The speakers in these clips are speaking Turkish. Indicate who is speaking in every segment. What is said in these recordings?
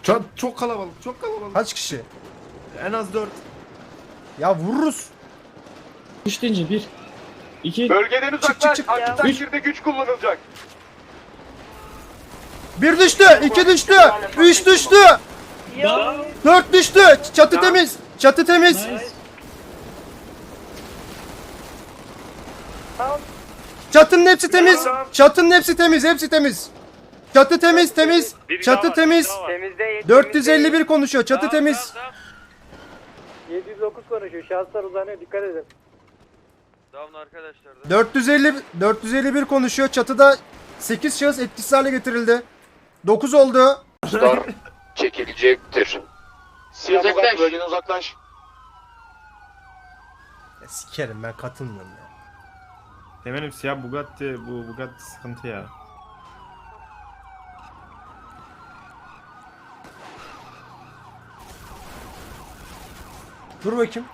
Speaker 1: Çok kalabalık, çok kalabalık.
Speaker 2: Kaç kişi?
Speaker 1: En az 4.
Speaker 2: Ya vururuz.
Speaker 3: 3 deyince 1, 2,
Speaker 4: Bölgeden uzaklaş.
Speaker 2: çık.
Speaker 4: Aksi takdirde güç kullanılacak.
Speaker 2: Bir düştü, iki düştü, üç düştü,
Speaker 3: down,
Speaker 2: 4 düştü. Çatı temiz, çatı temiz.
Speaker 3: nice.
Speaker 2: Çatının hepsi temiz. Çatının hepsi temiz, hepsi temiz. Çatı temiz, temiz. Çatı temiz.
Speaker 4: Temizde
Speaker 2: 451 konuşuyor. Çatı temiz.
Speaker 5: 709 konuşuyor. Şahıslar uzanıyor. Dikkat edin.
Speaker 4: Down arkadaşlar.
Speaker 2: 451 konuşuyor. Çatıda 8 şahıs etkisiz hale getirildi. 9 oldu.
Speaker 4: Star çekilecektir. Uzaklaş. Bölgeden uzaklaş.
Speaker 2: Ya sikerim ben katılmıyorum ya.
Speaker 1: Temelim siyah Bugatti, bu Bugatti sıkıntı ya.
Speaker 2: Dur bakayım.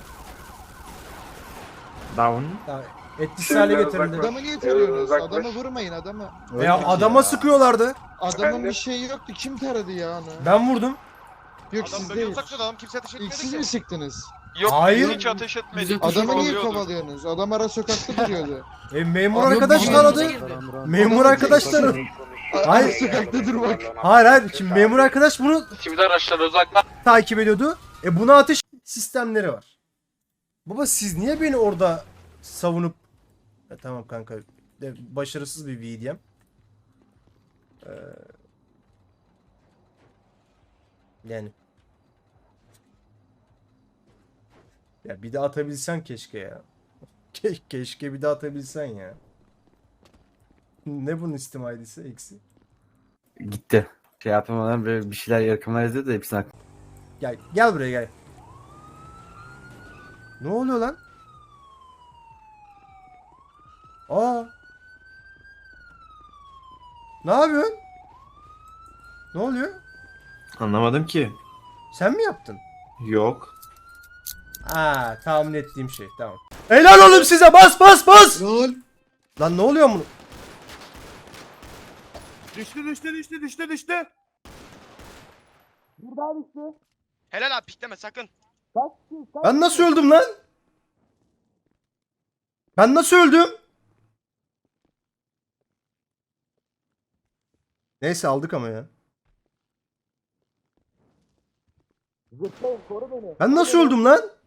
Speaker 1: Down.
Speaker 2: Ya, etkisiz hale getirildi.
Speaker 6: Adamı niye tarıyorsunuz?
Speaker 4: Uzaklaş.
Speaker 6: Adamı vurmayın adamı.
Speaker 2: Ya adama sıkıyorlardı.
Speaker 6: Adamın bir şeyi yoktu. Kim taradı ya onu?
Speaker 2: Ben vurdum.
Speaker 6: Yok siz değil.
Speaker 4: Adam kimse ateş
Speaker 6: İlk siz mi sıktınız?
Speaker 4: Yok
Speaker 2: Hayır.
Speaker 4: hiç ateş etmedik.
Speaker 6: Adamı niye kovalıyorsunuz? Adam ara sokakta duruyordu.
Speaker 2: Memur
Speaker 6: Adam
Speaker 2: arkadaş
Speaker 6: bana-
Speaker 2: taradı. Memur arkadaş taradı.
Speaker 6: Ara
Speaker 2: Hayır.
Speaker 6: sokakta durmak.
Speaker 2: Hayır. Şimdi memur arkadaş bunu
Speaker 4: Şimdi araçlar uzaklaş.
Speaker 2: takip ediyordu. Buna ateş sistemleri var. Baba siz niye beni orada savunup... tamam kanka. Başarısız bir VDM. Yani. Ya bir de atabilsen keşke ya. Keşke bir de atabilsen ya. Ne bunun Steam ID'si eksi?
Speaker 7: Gitti. Şey yapamadan böyle bir şeyler yakınlar yazıyor da hepsini aklım.
Speaker 2: Gel buraya gel. Ne oluyor lan? Aa. Ne yapıyorsun? Ne oluyor?
Speaker 1: Anlamadım ki.
Speaker 2: Sen mi yaptın?
Speaker 1: Yok.
Speaker 2: Tahmin ettiğim şey. Tamam. Helal oğlum size. Bas bas bas.
Speaker 6: Lol.
Speaker 2: Lan ne oluyor bunu?
Speaker 1: Düştü.
Speaker 4: Helal abi pikleme sakın.
Speaker 2: Ben nasıl öldüm lan? Ben nasıl öldüm? Neyse aldık ama ya. Ben nasıl öldüm lan?